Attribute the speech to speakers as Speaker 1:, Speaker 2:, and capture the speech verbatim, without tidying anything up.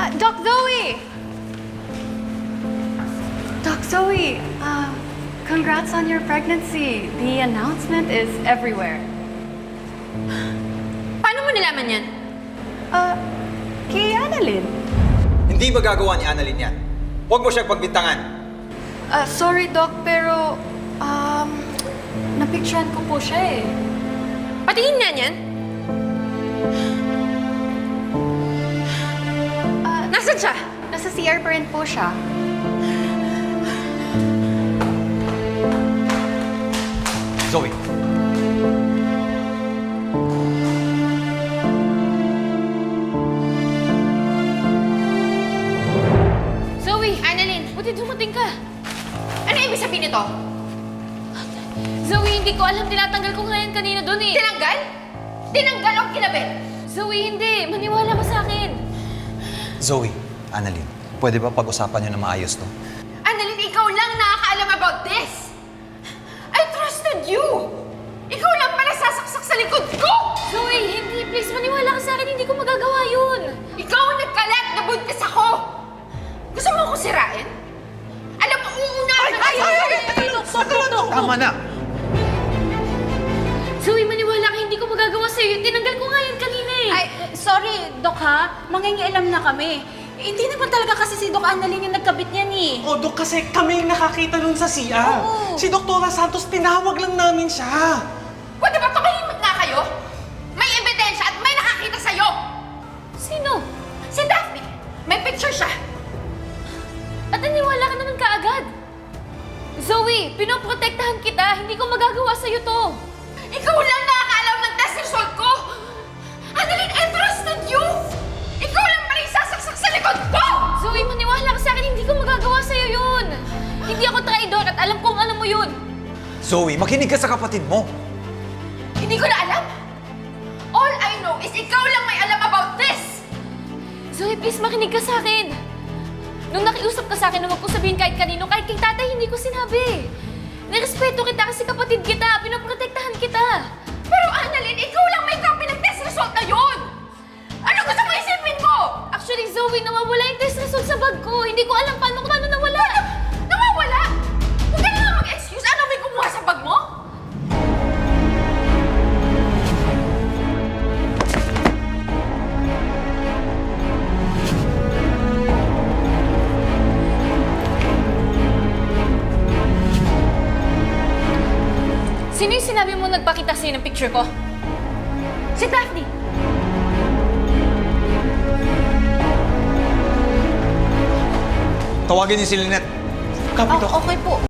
Speaker 1: Uh, Doc Zoe! Doc Zoe, uh, congrats on your pregnancy. The announcement is everywhere.
Speaker 2: Paano mo nilaman yan?
Speaker 1: Uh, kay Annalyn.
Speaker 3: Hindi magagawa ni Annalyn yan. Huwag mo siyang pagbintangan.
Speaker 1: Uh, sorry, Doc, pero, um, napicturean ko po siya eh.
Speaker 2: Patingin nga niyan.
Speaker 1: Uh,
Speaker 2: Nasaan siya?
Speaker 1: Nasa C R pa rin po siya.
Speaker 3: Zoe.
Speaker 2: Zoe! Annalyn, buti dumating ka. Ano ibig sabihin nito? Zoe, hindi ko alam. Tinatanggal ko nga yan kanina doon eh. Tinanggal? Tinanggal o kinabit? Zoe, hindi. Maniwala ka sa akin.
Speaker 3: Zoe, Annalyn, pwede ba pag-usapan niyo na maayos to?
Speaker 2: Annalyn, ikaw lang nakakaalam about this. I trusted you. Ikaw lang pala sasaksak sa likod ko. Zoe, hindi. Please, maniwala ka sa akin. Hindi ko magagawa yun. Ikaw ang nagkalat na buntis ako. Gusto mo akong sirain? Alam mo, uunahan na kayo.
Speaker 3: Tama na!
Speaker 2: Zoe, maniwala ka. Hindi ko magagawa sa'yo. Tinanggal ko nga yan kanina eh.
Speaker 4: Ay, sorry, Dok ha. Mangingialam na kami. Eh, hindi naman talaga kasi si Doc Annalyn yung nagkabit niyan eh.
Speaker 5: O, Dok, kasi kami yung nakakita nun sa C R.
Speaker 4: Oo.
Speaker 5: Si Doktora Santos, tinawag lang namin siya.
Speaker 2: Pwede ba tumahimik nga kayo? May ebidensya at may nakakita sa'yo. Sino? Si Daphne. May picture siya. At naniwala ka naman kaagad. Zoe, pinoprotektahan kita. Hindi ko magagawa sa'yo to. Ikaw lang nakakaalam ng test result ko. Annalyn, I trusted you. Ikaw lang pala yung sasaksak sa likod ko. Zoe, maniwala ka sa akin. Hindi ko magagawa sa'yo yun. Hindi ako traidor at alam kong alam mo yun.
Speaker 3: Zoe, makinig ka sa kapatid mo.
Speaker 2: Hindi ko na alam. All I know is ikaw lang may alam about this. Zoe, please makinig ka sa akin. Nung nakiusap ka sa akin na huwag ko sabihin kahit kanino, kahit kay tatay, hindi ko sinabi. Nirespeto kita kasi kapatid kita, pinoprotektahan kita. Pero Annalyn, ikaw lang may copy ng test result na yun! Ano gusto mo isipin ko? Actually, Zoe, nawawala yung test result sa bag ko. Hindi ko alam paano paano nawala. Nawawala? Huwag ka na nga mag-excuse. Ano may kumuha sa bag mo? Sino yung sinabi mo nagpakita sa'yo ng picture ko? Si Daphne!
Speaker 3: Tawagin niyo si Lynette.
Speaker 5: Copy,
Speaker 4: Oh,
Speaker 5: Dok.
Speaker 4: okay po.